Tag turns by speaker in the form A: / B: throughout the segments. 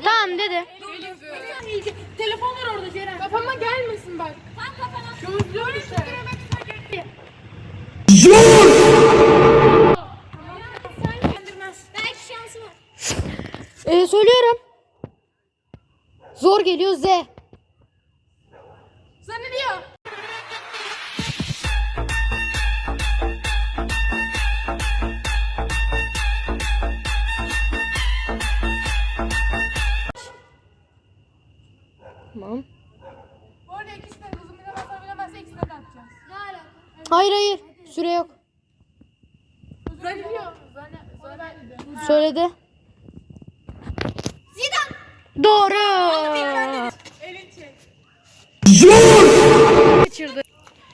A: Tamam dedi.
B: Telefon var orada Ceren. Kafama gelmesin bak. Tam kafana. Gözlüğü işte.
C: Belki şansı var.
A: Söylüyorum. Zor geliyor Z.
B: Sana ne diyor?
A: Tamam.
B: Bu arada ikisine uzun bilemezse ikisine de atacağız.
C: Ne alaka?
A: Hayır. Süre yok.
B: Zannediyor.
A: Söyledi.
C: Zidane.
A: Doğru.
B: Elin çek.
A: Kaçırdı.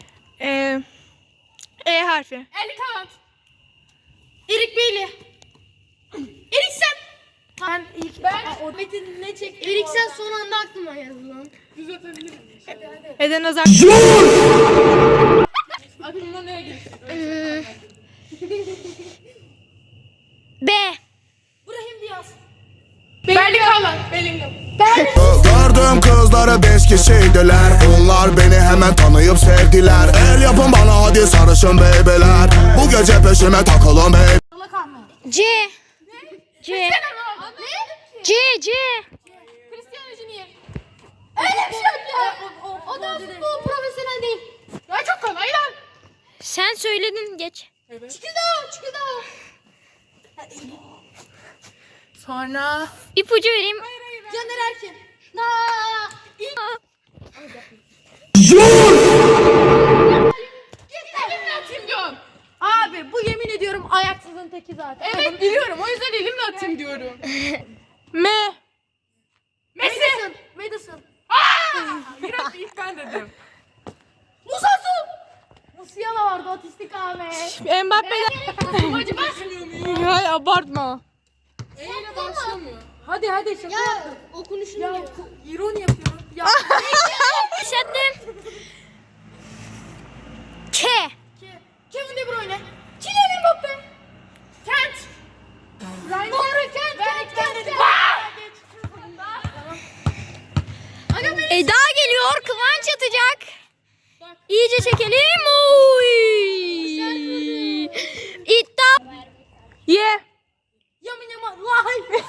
D: E harfi.
B: Eli kanat.
A: Erik Beyli.
B: Eriksen.
A: Ben ilk
C: Metin ne çekti?
A: Eriksen son anda aklıma yazdı lan.
B: Düz atabilirim.
D: Eden Özak.
B: Aklımda neye geçti?
A: B.
C: Brahim Diaz.
B: Belli kalan. Bellingham.
E: Gördüm kızları 5 kişiydiler. Onlar beni hemen tanıyıp sevdiler. El yapın bana hadi sarışın beybeler. Bu gece peşime takılın bey.
A: C. C. C.
B: Cristiano Junior.
C: Öyle bir şey yok ya. O da futbol profesyonel değil.
B: Ya çok kolay lan.
A: Sen söyledin geç.
C: Çıkıda.
B: Sonra.
A: İpucu vereyim.
C: Caner Erkin.
B: Elimle atayım diyorum.
A: Abi bu yemin ediyorum ayaksızın teki zaten.
B: Evet biliyorum. O yüzden elimle atayım diyorum.
D: M.
B: Messi.
C: Madison.
B: Biraz ilk ben dedim.
C: Musiala vardı otistik Ahmet.
D: Mbappe'den.
B: Acı basmıyor muyum?
D: Hayır abartma.
B: Eyle başlamıyor.
A: Hadi şaka
C: Ya
A: yaptım.
C: okunuşunu
B: Ya
C: ya.
B: ironi yapıyorum. Ya.
A: Başlattım. K.
C: Kevin De Bruyne.
B: Kylian Mbappe. Kent.
C: Doğru Kent.
A: Eda geliyor. Kıvanç atacak. İyice çekelim. Oy. İddia.
D: Y.
C: Yamin Yaman. Vay.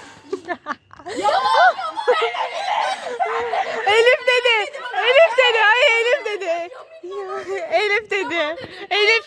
D: Elif dedi. Elif dedi. Hayır Elif dedi. Elif dedi. Elif.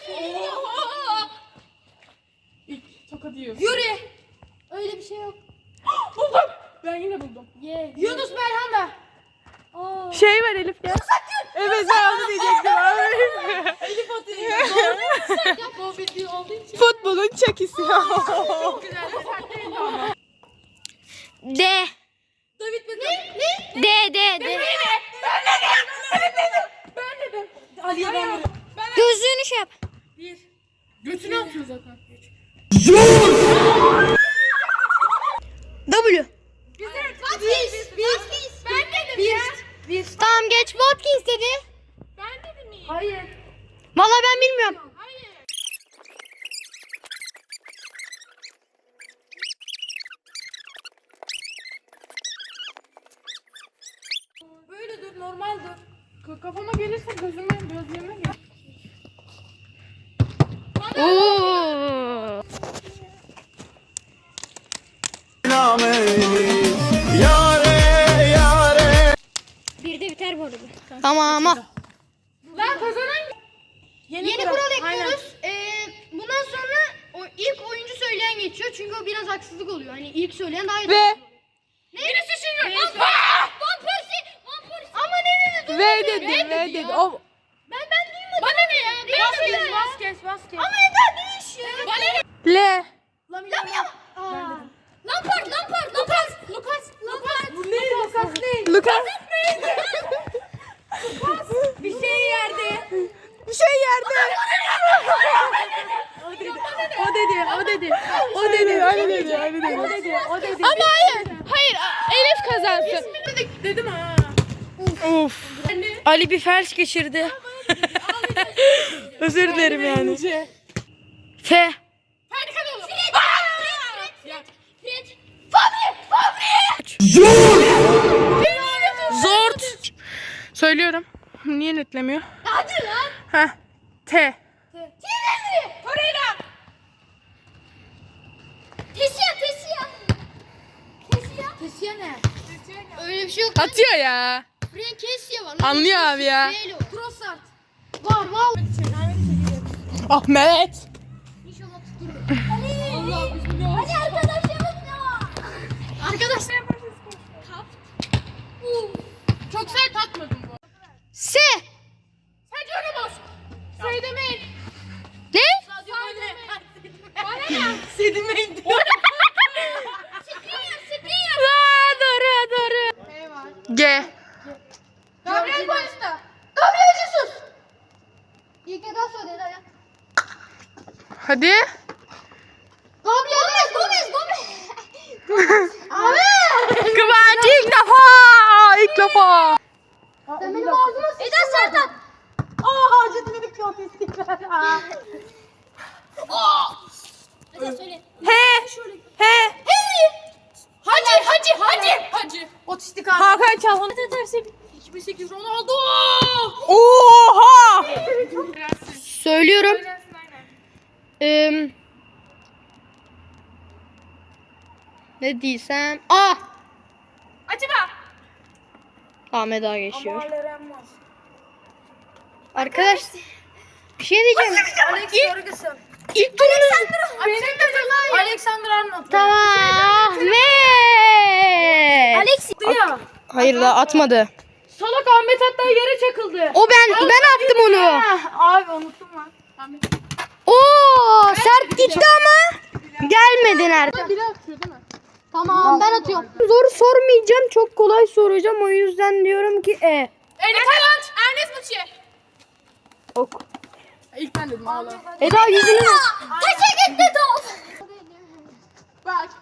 B: İlk tokat yiyor.
C: Yuri. Öyle bir şey yok.
B: Buldum. Ben yine buldum.
C: Yunus Belhanda.
D: Şey var Elif ya. Evet ben onu diyecektim.
C: Elif atıyor.
B: Bu bildiği olduğu için.
D: Futbolun çekisi.
B: Çok güzel. Sert değildi ama.
A: D.
C: David Beckham. Ne?
A: D.
B: Ben dedim.
C: Ali'ye ben veriyorum.
A: Gözlüğünü şey yap.
B: Götünü atıyor zaten.
A: W.
C: Biz.
B: Ben dedim ya.
A: Tamam geç. Watkins dedi.
B: Ben dedim iyi.
C: Hayır.
A: Vallahi ben bilmiyorum.
B: Hayır.
C: Böyle dur normal dur.
B: Kafama gelirse gözlüğüme gel.
A: Oo. Bir de biter bu arada. Tamam.
B: Lan kazanan
C: Yeni kural ekliyoruz. Bundan sonra ilk oyuncu söyleyen geçiyor. Çünkü o biraz haksızlık oluyor. Hani ilk söyleyen daha iyi.
D: Ve.
B: birisi şimdi.
C: Van Persie. Ama ne dedi?
D: V dedi. V dedi. O.
C: Ben duymadım.
B: Bana ne ya?
C: Vasquez. Ama Eda değiş ya.
B: Bana ne?
D: L.
C: Lampard. Lucas.
B: Bu ne? Lukas ne?
D: Lucas.
C: Bir şey yerde.
D: Bir şey yerde.
C: O dedi.
D: O dedi. Ama hayır Elif kazansın.
B: Dedim ha.
D: Of. Ali bir felç geçirdi. Özür dilerim yani. F.
B: Hadi kadın.
C: Fred. Fabri.
D: Zort. Söylüyorum. Niye netlemiyor?
C: Hadi lan.
D: Heh. T.
C: Torreira. Tesiya.
A: Kesiyor ne?
C: Öyle bir şey yok.
D: Atıyor ya.
C: Frank Kessia var.
D: Anlıyor abi ya.
C: Neyle o?
A: Trossard.
C: Var.
D: Ahmet.
C: İnşallah tutturur. Hadi arkadaşlarımız ne var?
B: Arkadaşlar yaparsınız. Çok sert atmadım bu.
C: S.
B: Sadece öyle bas. Say demeyin.
C: Ne?
B: Bana ne?
A: Sedimeyin diyor.
D: Doğru. G.
B: Gabriel Paulista.
C: Gabriel Jesus. İlk neden söyledi ya?
D: Hadi.
C: Gomez.
D: Kıvanç ilk defa. İlk defa.
C: Sen benim ağzıma sıçtın. Eda Serdar.
A: Hacı dedik çok istikrar.
C: Eda söyle.
D: He.
B: Hacı.
A: Otistik abi.
D: Hakan Çalhan.
B: 2008 Ronaldo.
D: Oha.
C: Söylüyorum. Ne diysem.
B: Atiba.
C: Ahmet Ağa geçiyor. Arkadaş bir şey diyeceğim.
A: Alex Ferguson.
C: İlk turunuz.
A: Alexander Arnold.
C: Tamam. Ahmet.
A: Alex diyor.
C: Hayır da atmadı.
A: Salak Ahmet hatta yere çakıldı.
C: O ben attım onu.
A: Abi unuttum lan.
C: Oo sert gitti ama gelmedi nerede?
B: Biri atıyor değil mi?
C: Tamam ben atıyorum. Zor sormayacağım, çok kolay soracağım, o yüzden diyorum ki
B: Enes Haaland. Ernest Muçi.
C: Ok.
B: İlk ben dedim ağla.
C: Eda yüzünü
B: Bak.